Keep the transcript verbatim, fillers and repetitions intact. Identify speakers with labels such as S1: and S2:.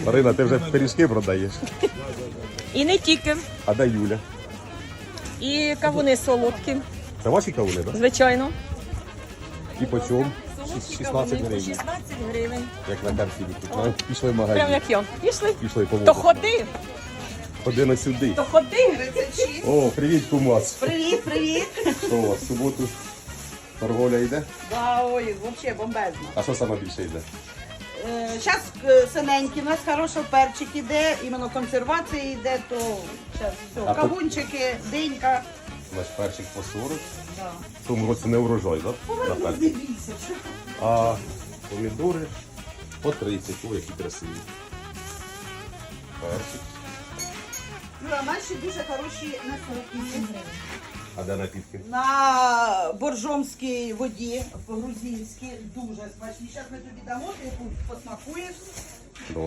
S1: Марина, ти вже пиріжки продаєш.
S2: І не тільки.
S1: А де Юля?
S2: І кавуни солодкі,
S1: Це ваші кавуни, так?
S2: звичайно.
S1: І по чому?
S2: Солодкі
S1: шістнадцять
S2: кавуни по
S1: гривень.
S2: шістнадцять гривень.
S1: Як на картині. Ну, пішли в
S2: Прям
S1: магазин.
S2: як я. Пішли.
S1: Пішли по
S2: То ходи,
S1: Ходи на сюди.
S2: то ходи.
S1: О, привіт, кумас.
S3: Привіт, привіт.
S1: Що у вас, в суботу торговля йде?
S3: Да, ой, взагалі бомбезно.
S1: А що саме більше йде?
S3: Зараз синенький, у нас хороший перчик іде, іменно консервація йде, то зараз все.
S1: А то-
S3: Кавунчики, динька.
S1: Наш перчик по сорок.
S3: Да.
S1: В тому році не урожай, так? На перчик.
S3: Дивіться, що.
S1: А помідори по тридцять. О, які красиві. Перчик.
S3: Юра, наші дуже хороші на сорок.
S1: А де напітки?
S3: На боржомській воді, по-грузинськи, дуже смачні. Зараз ми тобі дамо, ти посмакуєш.